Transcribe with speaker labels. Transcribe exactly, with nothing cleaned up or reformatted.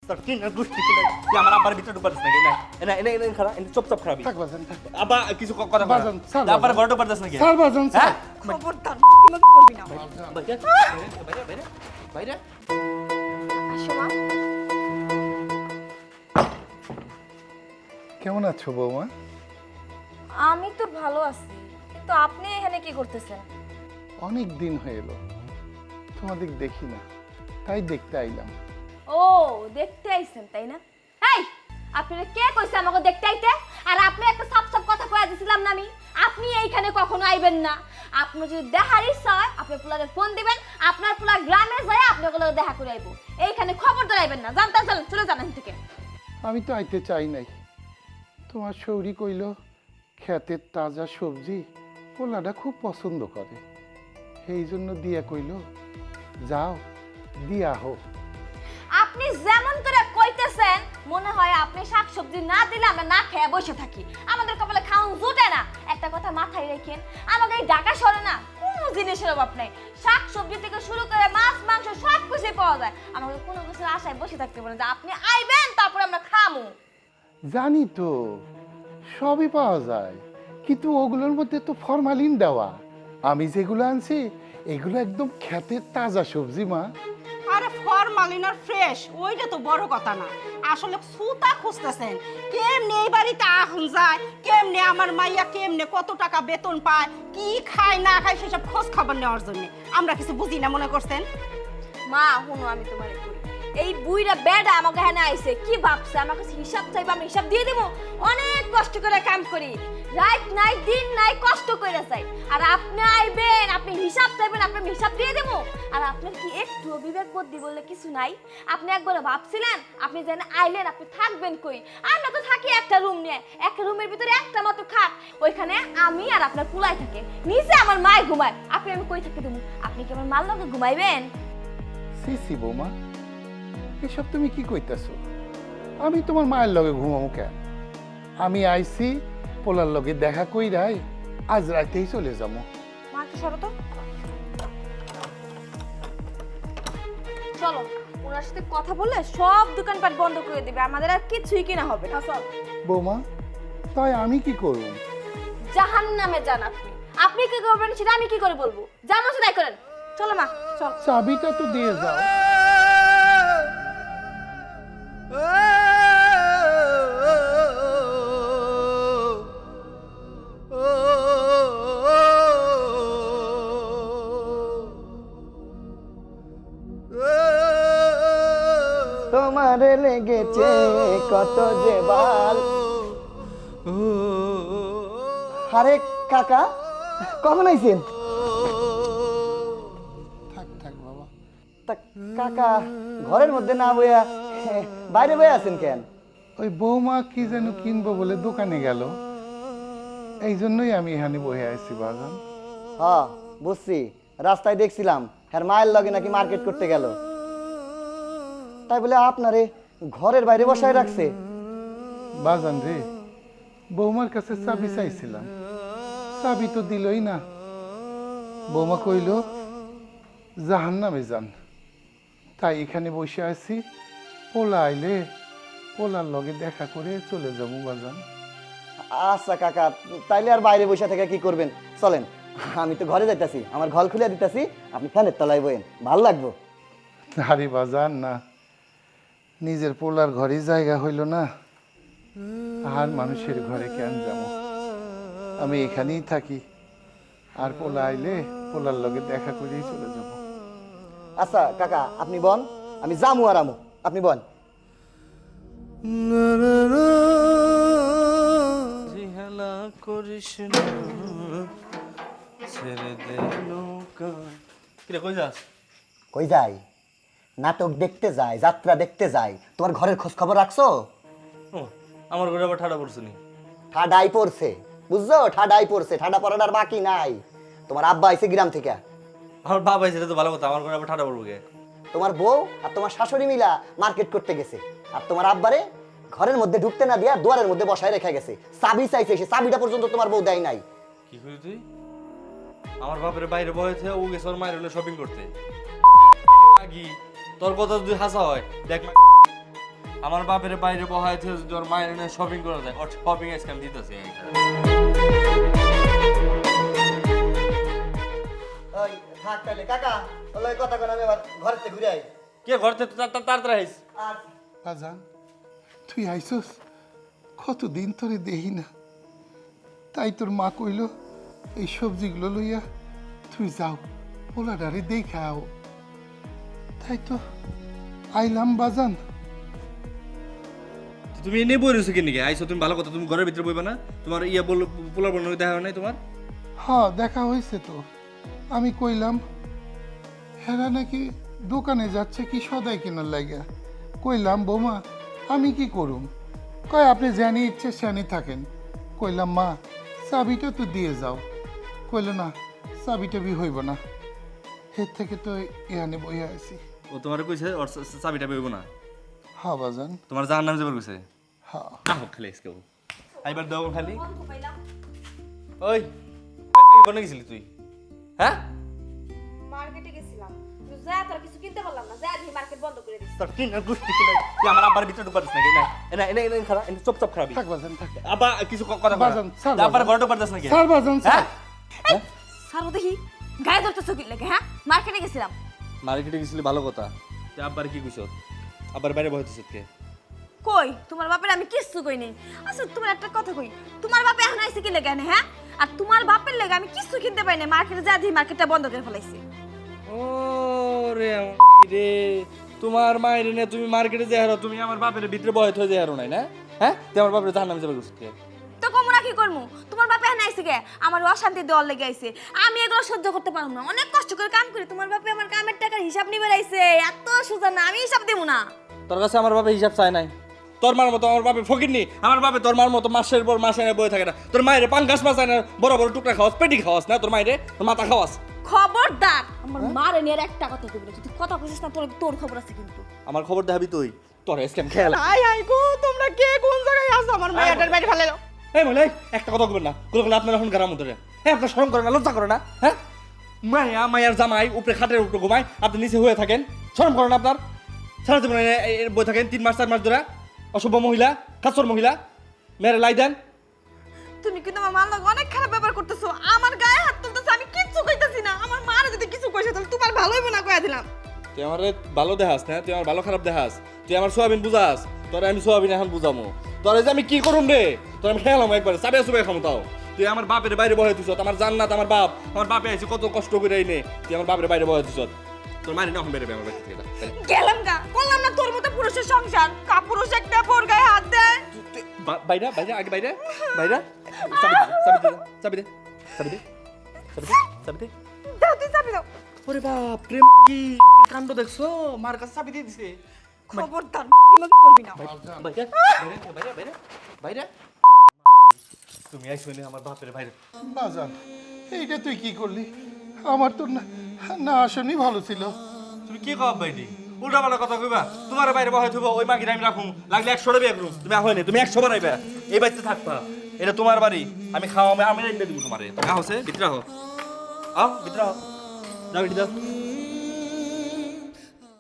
Speaker 1: তোর কি না গুষ্টি কি না তুই আমার আব্বার ভিতরে ঢুকতে পারিস নাকি না এনা এনা এনা খারাপ এনা চুপচাপ খারাপই
Speaker 2: থাক বাজান থাক
Speaker 1: আব্বা কিছু ক- কথা
Speaker 2: বাজান, স্যার,
Speaker 1: আব্বার
Speaker 2: বাজান।
Speaker 1: ঘরে ঢুকতে পারিস নাকি
Speaker 2: স্যার বাজান স্যার
Speaker 1: হ্যাঁ
Speaker 3: খবরদার কিভাবে করবি না
Speaker 1: বাইরে বাইরে বাইরে বাইরে
Speaker 3: আসো মা।
Speaker 2: কেমন আছো বৌমা?
Speaker 3: আমি তো ভালো আছি, কিন্তু আপনি এখানে কি করতেছেন?
Speaker 2: অনেক দিন হয়ে এলো তোমাদের দেখি না, তাই দেখতে আইলাম।
Speaker 3: ও দেখতে আইছেন তাই না? এই আপনারা কে কইছে আমাকে দেখতে আইতে? আর আপনি একটা সাপ সাপ কথা কইয়া দিছিলাম না আমি, আপনি এইখানে কখনো আইবেন না। আপনি যদি দেখার ইচ্ছা হয় আপনি পোলারে ফোন দিবেন, আপনার পোলা গ্রামে যায় আপনার পোলারে দেখা করে আইবো। এইখানে খবরদার আইবেন না, জানতে চলেন, চলে যান এখান থেকে।
Speaker 2: আমি তো আইতে চাই নাই, তোমার শৌরি কইল ক্ষেতের তাজা সবজি পোলাটা খুব পছন্দ করে, সেই জন্য দিয়া কইল যাও দিয়া হোক।
Speaker 3: আপনি যেমন করে কইতেছেন মনে হয় আপনি শাকসবজি না দিলে আমরা না খেয়ে বসে থাকি, আমাদের কপালে খাওন জুটে না। একটা কথা মাথায় রাখেন, আমাদের এই ঢাকা শহরে না কোনো জিনিসের অভাব নাই, শাকসবজি থেকে শুরু করে মাছ মাংস সব কিছুই পাওয়া যায়। আমাদের কোনো কিছুর আশায় বসে থাকতে পারে যে আপনি আইবেন তারপরে আমরা খামু।
Speaker 2: জানি তো সবই পাওয়া যায়, কিন্তু ওগুলোর মধ্যে তো ফরমালিন দেওয়া। আমি যেগুলো আনছি এগুলো একদম ক্ষেতের তাজা সবজি মা।
Speaker 4: আরে ফরমালিন আর ফ্রেশ ওইটা তো বড় কথা না, আসলে সুতা খুঁজতেছেন কেমনে এই বাড়িতে আহন যায়, কেমনে আমার মাইয়া কেমনে কত টাকা বেতন পায়, কি খায় না খায় সেসব খোঁজ খবর নেওয়ার জন্য। আমরা কিছু বুঝি না মনে করছেন?
Speaker 3: মা হুনো আমি তোমারে কই, এই বুইরা বেডা আমাকে এখানে আইছে কি ভাবছে আমার কাছে হিসাব চাইবা, আমি হিসাব দিয়ে দেবো? অনেক কষ্ট করে কাম করি, রাত নাই দিন নাই কষ্ট করে চাই, আর আপনি আইবেন আপনি হিসাব চাইবেন, আপনি আমি হিসাব দিয়ে দেবো? আর আপনার কি একটু বিবেক বুদ্ধি বললে কিছু নাই? আপনি একবার ভাবছিলেন আপনি যেন আইলেন আপনি থাকবেন কই? আমরা তো থাকি একটা রুম নিয়ে, একটা রুমের ভিতরে একটা মাত্র খাট, ওইখানে আমি আর আপনার পুলাই থাকে, নিচে আমার মায় ঘুমায়, আপনি আমি কই থাকতে দেবো? আপনি কি আমার মাল লগে ঘুমাইবেন?
Speaker 2: সি সি বৌমা, এসব তুমি কি কইতাছো? আমি তোমার মায়ের লগে ঘুমাবো কেন? আমি আইছি পোলার লগে দেখা কইরাই আজ রাতেই চলে যাবো।
Speaker 3: মা কি সরো তো, চলো ওনার সাথে কথা বললে সব দোকানপাট বন্ধ করে দিবে, আমাদের আর কিছুই কিনা হবে না। চল
Speaker 2: বৌমা, তাই আমি কি করব?
Speaker 3: জাহান্নামে যান আপনি, আপনি কি করবেন সেটা আমি কি করে বলবো? যেমন তাই করেন, চলো মা চল।
Speaker 2: চাবিটা তো দিয়ে যাও।
Speaker 5: তোমার লেগেছে কত যে বাল। আরে কাকা কখন আইছেন?
Speaker 2: থাক থাক বাবা।
Speaker 5: তা কাকা ঘরের মধ্যে না বইয়া বাইরে বয়ে আছেন কেন?
Speaker 2: ওই বৌমা কি যেন কিনবো বলে দোকানে গেল, এই জন্যই আমি এখানে বসে আছি বাগান।
Speaker 5: হ্যাঁ বুঝছি, রাস্তায় দেখছিলাম হ্যাঁ মায়ের লগে নাকি মার্কেট করতে গেল, তাই বলে আপনারে ঘরের বাইরে বসায় রাখছে?
Speaker 2: বাজান রে, বৌমার কাছে চাবি চাইছিলাম, চাবি তো দিলই না। বৌমা কইল জাহান্নামে যান, তাই এখানে বসে আছি, পোলা আইলে পোলার লগে দেখা করে চলে যাবো বাজান।
Speaker 5: আচ্ছা কাকা, তাইলে আর বাইরে বসে থেকে কি করবেন, চলেন আমি তো ঘরে যাইতাছি, আমার ঘর খুলে দিতাছি, আপনি ফ্যানের তলায় বইন, ভালো লাগবো।
Speaker 2: আরে বাজান না, নিজের পোলার ঘরে জায়গা হইল না, আর মানুষের ঘরে কেন যাবো? আমি এখানেই থাকি, আর পোলা আইলে পোলার লগে দেখা করেই চলে যাব।
Speaker 5: আচ্ছা কাকা আপনি বন, আমি জামু আর আমু, আপনি বন।
Speaker 1: হেলা করিস না ছেড়ে দে নৌকা। কিরে কই যাস?
Speaker 5: কই যাই? নাটক দেখতে যাই, যাত্রা দেখতে যাই। তোমার ঘরের খোঁজ খবর রাখছো?
Speaker 1: ও আমার ঘরে আবার ঠাডা পড়ছে নি?
Speaker 5: ঠাডাই পড়ছে, বুঝছো? ঠাডাই পড়ছে, ঠাডা পড়ার আর বাকি নাই। তোমার আব্বা আইছে গ্রাম থেকে।
Speaker 1: আমার বাবা সেটা তো ভালো কথা, আমার ঘরে আবার ঠাডা পড়বো কে?
Speaker 5: তোমার বউ আর তোমার শাশুড়ি মিলা মার্কেট করতে গেছে, আর তোমার আব্বারে ঘরের মধ্যে ঢুকতে না দিয়া দুয়ারের মধ্যে বসায় রেখে গেছে। চাবি চাইছে, সে চাবিটা পর্যন্ত তোমার বউ দেয় নাই।
Speaker 1: কি করি তুই? আমার বাপের বাইরে বয়েছে, ও গেছে ওর মায়ের হলো শপিং করতে। আগি তোর কথা যদি হাসা হয় দেখ না, আমার বাপের বাইরে বহাইছে তোর মায়ের এনে শপিং করা যায় ওর শপিং আজকে আমি দিতেছি
Speaker 5: ওই থাক তাহলে কাকা ওই কথা কোন আমি আবার ঘরের থেকে ঘুরে আই
Speaker 1: কে ঘর থেকে তাড়াতাড়ি আইস
Speaker 5: আর
Speaker 2: বাজান তুই আইসস কতদিন তোরে দেহি না, তাই তোর মা কইল এই সবজিগুলো লইয়া তুই যাও পোলাডারে দেখাও, তাই তো আইলাম বাজান।
Speaker 1: তুমি এনে বই রয়েছো কি নাকি আইসো তুমি ভালো কথা তুমি ঘরের ভিতরে বইবা না তোমার ইয়া বললো পোলার বললো দেখা হয় নাই তোমার
Speaker 2: হ্যাঁ দেখা হয়েছে তো, আমি কইলাম হেরা নাকি দোকানে যাচ্ছে কি সদাই কেনার লাগিয়া, কইলাম বৌমা আমি কি করুম, কয় আপনি জানি ইচ্ছে শানি থাকেন, কইলাম মা চাবিটা তো দিয়ে যাও, কইল না চাবিটা বি হইব না, এর থেকে তো এখানে বইয়া আছি।
Speaker 1: ও তোমার কইছে ওর চাবিটা বইব না
Speaker 2: হ্যাঁ বাজান
Speaker 1: তোমার জাহার নামে যাবার কইছে
Speaker 2: হ্যাঁ।
Speaker 1: আহ খালি আজকে আইবার দাও খালি ওই কোনে গেছিলি তুই হ্যাঁ
Speaker 3: মার্কেটে গেছিলাম যা তোর কিছু কিনতে পারলাম না, যা দিয়ে মার্কেট বন্ধ করে দিছি।
Speaker 1: তোর কিনা গুষ্টি কিনা তুই আমার আব্বার ভিতরে ঢুকবার দিস নাকি না এনা এনা এনা খারাপ এনে চুপ চুপ খারাপ
Speaker 2: থাক বাজান থাক।
Speaker 1: আব্বা কিছু ক- কথা
Speaker 2: বাজান, স্যার,
Speaker 1: বল আব্বার
Speaker 2: বাজান।
Speaker 1: ঘরে ঢুকবার দিস নাকি
Speaker 2: স্যার বাজান স্যার,
Speaker 1: হ্যাঁ
Speaker 3: সারো দেখি গায়ে ধরতেছো কি লাগে, হ্যাঁ মার্কেটে গেছিলাম।
Speaker 1: মার্কেটে গেছিলি ভালো কথা তুই আব্বার কি কইছ আব্বার বাইরে বসেছিস কে
Speaker 3: কই তোমার বাপের আমি কিচ্ছু কই নাই। আচ্ছা তোমার একটা কথা কই, তোমার বাপে এখন আইছে কি লাগে, হ্যাঁ আর তোমার বাপের লাগে আমি কিচ্ছু কিনতে পাই না, মার্কেটে যা দিয়ে মার্কেটটা বন্ধ করে ফেলাইছি।
Speaker 1: ও রে রে তোমার মায়ের নে তুমি মার্কেটে যে হারো তুমি আমার বাপের ভিতরে বয়ে থই যে হারো নাই না হ্যাঁ তুই আমার বাপের জাহান্নামে যাবে কইছিস কে
Speaker 3: তো কমরা কি করমু, তোমার বাপে এখন আইছে কে, আমার অশান্তি দেওয়ার লেগে আইছে, আমি এগুলো সহ্য করতে পারবো না, অনেক কষ্ট করে কাম করি, তোমার বাপে আমার কামের টাকার হিসাব নিবে আইছে, এত সোজা না, আমি হিসাব দেবো না।
Speaker 1: তোর কাছে আমার বাপে হিসাব চায় নাই, তোর মার মতো আমার বাপে ফকিরনি, আমার বাপে তোর মার মতো মাসের পর মাসে এনে বয়ে থাকে না, তোর মায়ের পাঙ্গাস মাছ আনে বড় বড় টুকরা খাওয়াস পেটি খাওয়াস না তোর মায়ের তোর মাথা খাওয়াস।
Speaker 3: খবরদার আমার মারে নিয়ে আর একটা কথা কইবি না, যদি কথা কইছিস না তোর তোর খবর আছে কিন্তু।
Speaker 1: আমার খবর দেখাবি তুই তোর স্ক্যাম খেয়াল
Speaker 4: আই আই গো তোমরা কে কোন জায়গায় আছো, আমার মায়াটার বাড়ি ফেলে দাও।
Speaker 1: এই মনে একটা কথা বলবেন না কোনো কোনো আপনার এখন গারাম ধরে হ্যাঁ আপনার শরম করে না লজ্জা করে না হ্যাঁ মায়া মায়ার জামাই উপরে খাটের উপরে ঘুমায় আপনি নিচে হয়ে থাকেন শরম করেন আপনার সারা জীবন বই থাকেন তিন মাস চার মাস ধরে অসভ্য মহিলা কাছর মহিলা মেরে লাই দেন।
Speaker 3: তুমি কিন্তু আমার মার লগে অনেক খারাপ ব্যবহার করতেছো, আমার গায়ে হাত তুলতেছো, আমি কিচ্ছু কইতাছি না, আমার মারে যদি কিছু কইছে তাহলে তোমার ভালো হইব না কইয়া দিলাম।
Speaker 1: তুই আমার ভালো দেখাস না তুই আমার ভালো খারাপ দেখাস তুই আমার সোয়াবিন বুঝাস তোর আমি সোয়াবিন এখন বুঝামো তোর যে আমি কি করুম রে তোর আমি খেয়ালাম একবার চাবে চুবে খামো তাও তুই আমার বাপের বাইরে বহে দিছ আমার জান্নাত আমার বাপ আমার বাপে আইছে কত কষ্ট করে এনে তুই আমার বাপের বাইরে বহে দিছ তোর মারি না এখন বেরোবে আমার বাড়ি থেকে যা, বেরো।
Speaker 3: গেলাম গা, বললাম না তোর মতো পুরুষের সংসার, কাপুরুষ একটা বোর গায়ে হাত দেয়।
Speaker 1: তুই- তুই- বা- বাইরে বাইরে আগে বাইরে বাইরে চাবি দে চাবি দে চাবি দে চাবি দে চাবি দে চাবি দে
Speaker 3: দাও তুই চাবি দাও।
Speaker 1: ওরে বাপ প্রেম কি কাণ্ড দেখছো মার কাছে চাবি দিয়ে দিছে
Speaker 3: খবরদার মত করবি না।
Speaker 1: বাইরে বাইরে বাইরে বাইরে বাইরে তুমি আইছো নে আমার বাপের বাইরে
Speaker 2: বাজান এইটা তুই কি করলি, আমার তো না না আসনি ভালো ছিল।
Speaker 1: তুমি কি কব বাইদি উল্টা পাল্টা কথা কইবা তোমার বাইরে বহাই থইব ওই মাগির আমি রাখুম লাগলে একশো টাকা করুম তুমি আহো নে তুমি একশো বার আইবা এই বাড়িতে থাকবা এটা তোমার বাড়ি আমি খাওয়া আমি আমি রাইন্দা দিব তোমারে আহো সে ভিতরে আহো আও ভিতরে আহো যাও ভিতরে যাও